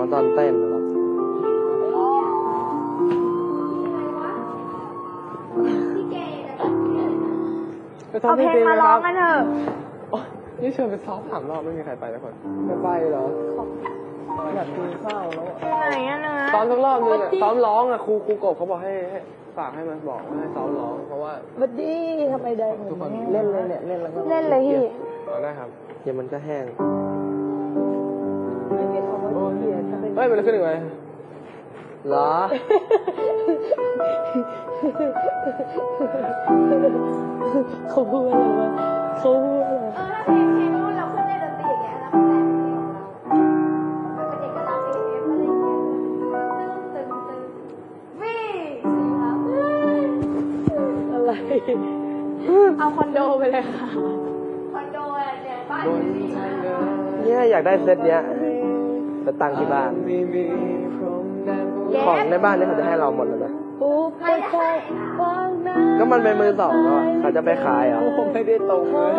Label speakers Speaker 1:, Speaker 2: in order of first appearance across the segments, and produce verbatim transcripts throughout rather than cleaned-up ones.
Speaker 1: ตอนเต้นแล้ว
Speaker 2: เอาเพลงมาร้องกันเถอะ
Speaker 1: นี่เชิญไปซ้อมสามรอบไม่มีใครไปทุกคนไม่ไปเหรออยากกินข้าวแล้ว
Speaker 2: ไหนอ่ะนะ
Speaker 1: ซ้อมสักรอบนึงซ้อมร้องอ่ะครูครูกบเขาบอกให้ฝากให้มาบอกให้ซ้อมร้องเพราะว่า
Speaker 3: บัดดี้ทำไมได้ทุกคนเล่นเลยเนี่ยเล่นแล้วก็
Speaker 2: เล่นเลยพี่
Speaker 1: ได้ครับเดี๋ยวมันก็แห้ง
Speaker 3: ไม่เป็นของว่าเขียน
Speaker 1: เฮ้ยมันขึ้นอีกไหมเหรอ
Speaker 3: เขาพูดอะไรวะเขาพูดอะไร
Speaker 2: เออถ้าเพลงเพลงนู้นเราขึ้นในดนตรีอย่างเงี้ยแล้วมันแต่งเพลงของเรามันเป็นเอกลักษณ์เอฟอะไรอย่างเงี้ยตึงตึงตึงวิ่ง
Speaker 3: อะไร
Speaker 2: เอาคอนโดไปเลยค่ะคอนโดเนี่ยบ้าน
Speaker 1: เนี่ยอยากได้เซตเนี้ยจะตั้งที่บ้านของในบ้านนี่เขาจะให้เราหมดเลยไหมก็มันเป็นมือสองก็เขาจะไปขายเหรอผมไม่ได้ตรงเลย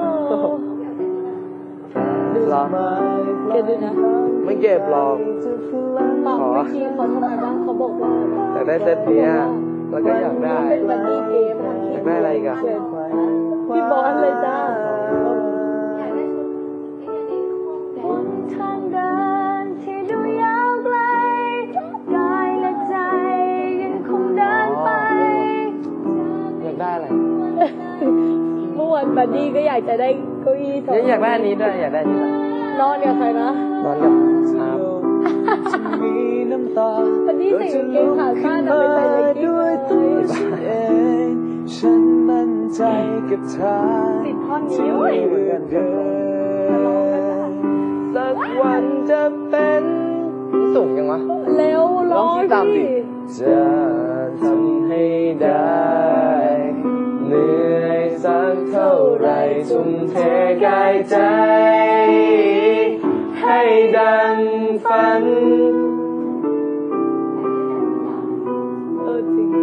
Speaker 1: หรอ
Speaker 3: เก็บด้วยนะ
Speaker 1: ไม่เก็บหรอก
Speaker 3: ขอทีเขาทำไมบ้างเขาบอกว่า
Speaker 1: อยากได้เซตเนี้ยแล้วก็อยากได้
Speaker 3: เป็นบัดดี้เกม
Speaker 1: อยากได้อะไรกัน
Speaker 3: พี่บอสเลยจ้า
Speaker 1: ได้อะไร
Speaker 3: เมื่อวานบัดดี้ก็อยากจะได้เก้าอี้สอง
Speaker 1: อยากได้อันนี้ด้วยอยากได้อันนี้
Speaker 3: นอนกับใครนะ
Speaker 1: นอนกับอาร์
Speaker 3: บัดดี้ใส่กางเกงขาสั้นเอาไปใส่เลกกิ้งเลย
Speaker 1: ฉันมั่นใจกับเธอ
Speaker 3: ติดท่อนนี้เว้ย
Speaker 1: สักวันจะเป็นสูงยังวะ
Speaker 3: เร็วร้องดิ
Speaker 1: จะทำให้ได้เหนื่อยสักเท่าไรทุ่มเทกายใจให้ดังฝัน
Speaker 3: เออจริง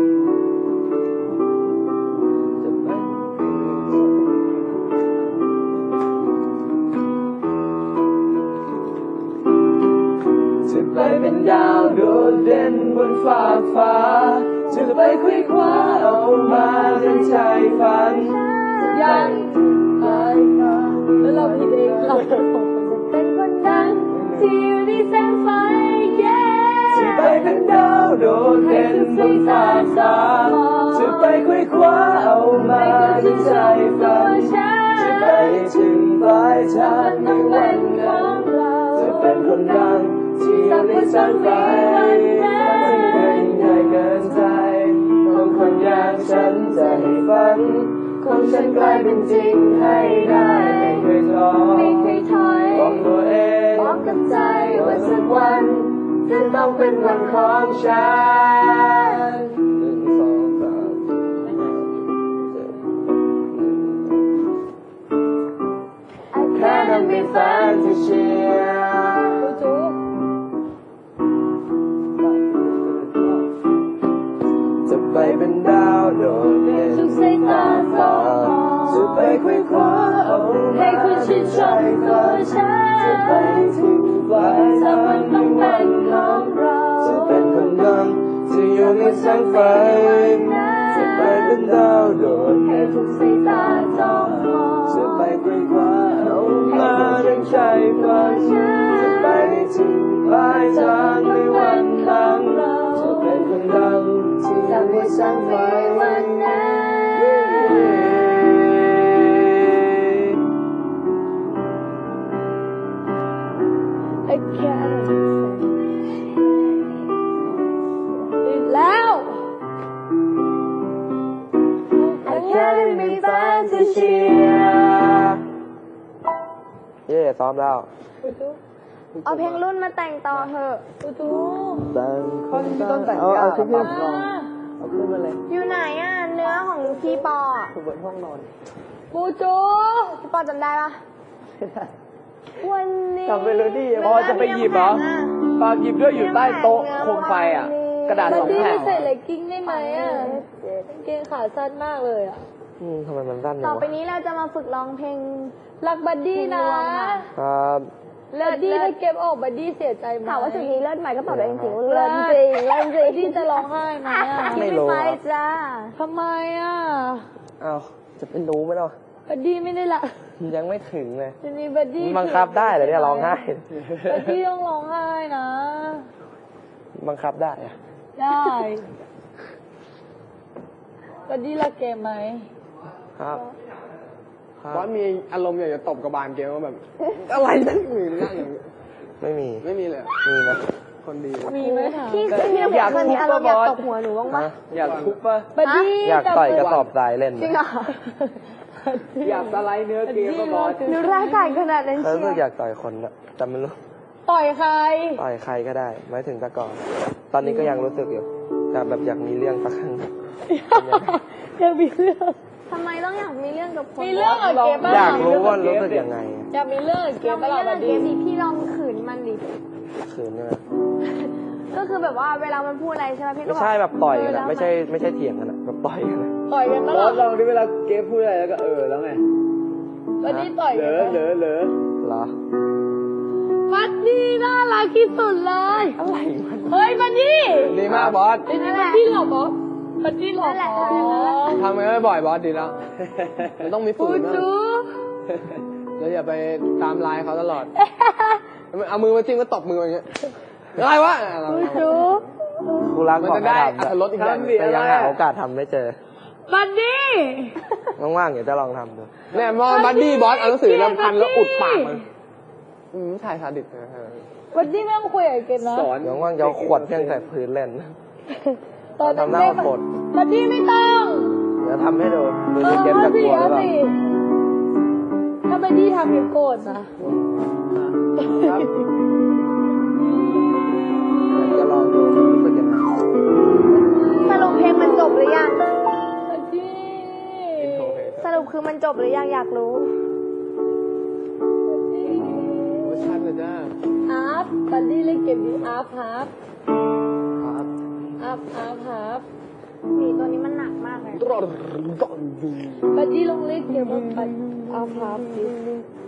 Speaker 1: จะไปเป็นดาวโดดเด่นบนฟ้าฟ้าจะไปคุยคว้าเอามาเป็นใจฝัน
Speaker 3: ยังไปแล้วเราผิดเองเราจะเป็นคนดังที่อยู่ในแสงไฟ
Speaker 1: จะไปเป็นดาวโดดเด่นบนฟ้าฟ้าจะไปคุยคว้าเอามาเป็นใจฝันจะไปถึงปลายทางในวันนั้นจะเป็นคนดังที่อยู่ในแสงไฟที่เป็นใหญ่เกินใจของคนอย่างฉันจะให้ฝันของฉันกลายเป็นจริงให้ได้ไม่เคยท้อ
Speaker 3: ไม่เคยถอย
Speaker 1: บอกตัวเอง
Speaker 3: บอกกับใจ
Speaker 1: ว่าสักวันจะต้องเป็นวันของฉันหนึ่งสองสามแค่นั้นมีแฟนที่เชียร์จะไปเป็นดาวโดดเด่น
Speaker 3: ทุกสายตาสอง
Speaker 1: จะไปคุยคว้าเอา
Speaker 3: ให้คุณชื่นชมตัวฉัน
Speaker 1: จะไปถึงปลายทางในวันนั้นจะเป็นคนดังที่อยู่ในแสงไฟจะไปเป็นดาวโดด
Speaker 3: ให้ทุกสายตาจ้องมอง
Speaker 1: จะไปคุยคว้าเอามาดังใจฝันจะไปถึงปลายทางในวันนั้นจะเป็นคนดังที่อยู่ในแสงไฟวันนั้น
Speaker 3: แล้ว
Speaker 1: I can't be fun to cheer เย่ซ้อมแล้ว
Speaker 2: เอาเพลงรุ่นมาแต่งต่อเถอะ
Speaker 3: ตูตู
Speaker 1: แต่ง
Speaker 3: คนที่ต้องแต่ง
Speaker 1: เอาชุดพี่ลองเอาขึ้นมาเลย
Speaker 2: อยู่ไหนอ่ะเนื้อของพี่ปอ
Speaker 1: อยู่บนห้องนอน
Speaker 3: ปูจู
Speaker 2: พี่ปอจำได้ปะวันนี้
Speaker 1: จำไม่รู้ดิพอจะไปหยิบเหรอปาหยิบด้วยอยู่ใต้โต๊ะโคมไฟอ่ะกระดาษสองแผ่น
Speaker 3: ใส่เลกกิ้งได้ไหมอ่ะเกงขาสั้นมากเลยอ่ะ
Speaker 1: อืมทำไมมันสั้นเนี่ย
Speaker 2: ต่อไปนี้เราจะมาฝึกร้องเพลง
Speaker 3: รักบัดดี้นะครับบัดดี้ถ้าเก็บออกบัดดี้เสียใจไหม
Speaker 2: ถามว่าจุดนี้เลิศไหมก็ตอบได้จริงๆว่า
Speaker 3: เลิ
Speaker 2: เลิ
Speaker 3: ศ
Speaker 2: ศ
Speaker 3: จริงเลิศจริงบัดดี้จะร้องไห้ไหมอ่ะ
Speaker 2: ไม่ไปจ้า
Speaker 3: ทำไมอ่ะ
Speaker 1: อ้าวจะเป็นรู้ไหมล่ะ
Speaker 3: บัดดี้ไม่ได้ละ
Speaker 1: ยังไม่ถึงเลย
Speaker 3: ทีนี้บัดดี้
Speaker 1: บังคับได้เหรอเนี่ยร้องไห้
Speaker 3: บัดดี้ต้องร้องไห้นะ
Speaker 1: บังคับได้อะ
Speaker 3: ได้บัดดี้รักเกมไหม
Speaker 1: ครับครับ
Speaker 4: บอสมีอารมณ์อยากจะตบกระบาลเกมว่าแบบ อะไรนั่นมีนั่งอย่างนี้
Speaker 1: ไม่มี
Speaker 4: ไม่มีเลย
Speaker 1: มีไหม
Speaker 4: คนดี
Speaker 3: มีไหมถาม
Speaker 2: พี่คือเนี่ยเคยมีอารมณ์อยากตบหัวหนูบ้างปะ
Speaker 1: ฮะอยากทุบปะ
Speaker 3: บัดดี้
Speaker 1: อยากต่อยกระสอบทรายเล่น
Speaker 2: จริงเหรอ
Speaker 4: อยากสไลด์เนื้อเกมก็บอส
Speaker 2: หนูร้ายกาจขนาดนั้น
Speaker 1: เออ
Speaker 2: เชี
Speaker 1: รู้
Speaker 2: ย
Speaker 1: สึกอยากต่อยคนอะแต่ไม่รู้
Speaker 3: ต่อยใคร
Speaker 1: ต่อยใครก็ได้ไม่ถึงแต่ก่อน ตอนนี้ก็ยังรู้สึกอยู่แต่แบบอยากมีเรื่องสักครั้ง
Speaker 3: จะมีเรื่อง
Speaker 2: ทำไมต้องอยากมีเรื่องกับคน
Speaker 3: มีเรื่องกับเกมบ้าง
Speaker 1: อยากรู้ว่ารู้สึกยังไง
Speaker 3: อยากมีเรื่องกับเก
Speaker 2: เรา
Speaker 3: ม
Speaker 2: ไม่
Speaker 3: บ้าง
Speaker 2: เล่น
Speaker 3: บัด
Speaker 2: เก
Speaker 3: ดี้
Speaker 2: มดิพี่ลองขืนมันดิ
Speaker 1: คืนใช่ไหม
Speaker 2: ก็คือแบบว่าเวลามันพูดอะไรใช่ไหมพี่ก็
Speaker 1: ไม่
Speaker 2: บอก
Speaker 1: ใช่แบบต่อยกัน
Speaker 2: เ
Speaker 1: อะไม่ใช่ไม่ใช่เถียงกันอะแบบต่อยกันอะ
Speaker 3: ต่อยกัน
Speaker 4: บ
Speaker 3: บ้าง
Speaker 4: อส
Speaker 3: เห
Speaker 4: ล
Speaker 3: ร
Speaker 4: อ
Speaker 3: อง
Speaker 4: ดิเวลาเกมพูดอะไรแล้วก็เออแล้วไง
Speaker 3: บัดดี้ต่อย
Speaker 4: เห
Speaker 3: กั
Speaker 4: ลื
Speaker 3: น
Speaker 4: อเหลือเหลือ
Speaker 1: เหรอ
Speaker 3: บัดดี้น่ารักที่สุดเลย
Speaker 1: อะไรมัน
Speaker 3: เฮ้ยบัดดี้
Speaker 4: ดีมากบอส
Speaker 3: เป็นบัดดี้หรอบอสบัดดี้หรอ
Speaker 2: นั่นแหละทำอย่างนั้นแหละ
Speaker 4: ทำไม่บ่อยบอสดีแล้วมันต้องมีฝื
Speaker 3: ปู
Speaker 4: นบ้าง
Speaker 3: จู
Speaker 4: แล้วอย่าไปตามไลน์เขาตลอดเอามือมาจิ้มก็ตบมืออย่างเงี้ยอะไรวะ
Speaker 3: ปูจู
Speaker 1: กูรัก
Speaker 4: มัน
Speaker 1: บอก
Speaker 4: จะ
Speaker 1: ให้
Speaker 4: ได้
Speaker 1: ทำ
Speaker 4: อัตรสอีกแบบ
Speaker 1: แต่ยังหาโอกาสทำไม่เจอ
Speaker 3: บัดดี้
Speaker 1: ว่างๆเดี๋ยวจะลองทำดู
Speaker 4: เนี่ยมองบัดดี้บอสเอาหนังสือแล้วพันแล้วอุดปากมันอืมถ่ายซาดิสนะฮะ
Speaker 3: บัดดี้ไม่ต้องคุยกับเกมนะ
Speaker 4: สอน
Speaker 1: เดี๋ยวว่างๆจะเอาขวดเพี้ยงใส่พื้นเล่น
Speaker 3: ตอน
Speaker 1: ทำหน้า
Speaker 3: เด็ก
Speaker 1: โกรธ
Speaker 3: บัดดี้ไม่ต้อง
Speaker 1: เดี๋ยวทำให้ดูดู
Speaker 3: เอ
Speaker 1: ดิ
Speaker 3: อ
Speaker 1: เกม
Speaker 3: เอา
Speaker 1: จะก
Speaker 3: สิ
Speaker 1: ลัวหรือ
Speaker 3: เอา
Speaker 1: เปล่า
Speaker 3: สิถ้าบัดดี้ทำเกมโกรธนะ
Speaker 4: ครับ
Speaker 1: จะลองดูรู้สึกยังไง
Speaker 2: สรุปเพลงมันจบหรือยัง
Speaker 3: บัดดี้
Speaker 2: สรุปคือมันจบหรือยังอยากรู้
Speaker 4: เวอร์ชันเลยจ้า
Speaker 3: อาร์ฟบัดดี้เล่นเกมนี้อาร์ฟฮาร์ฟ
Speaker 4: ครับ
Speaker 3: อาร์ฟอาร์ฟฮาร์ฟ
Speaker 2: สีตัวนี้มันหนักมากเลย
Speaker 4: ตรอดตรอด
Speaker 3: บัดดี้ลองเล่นเกมว่าบัดอาร์ฟฮาร์ฟดิ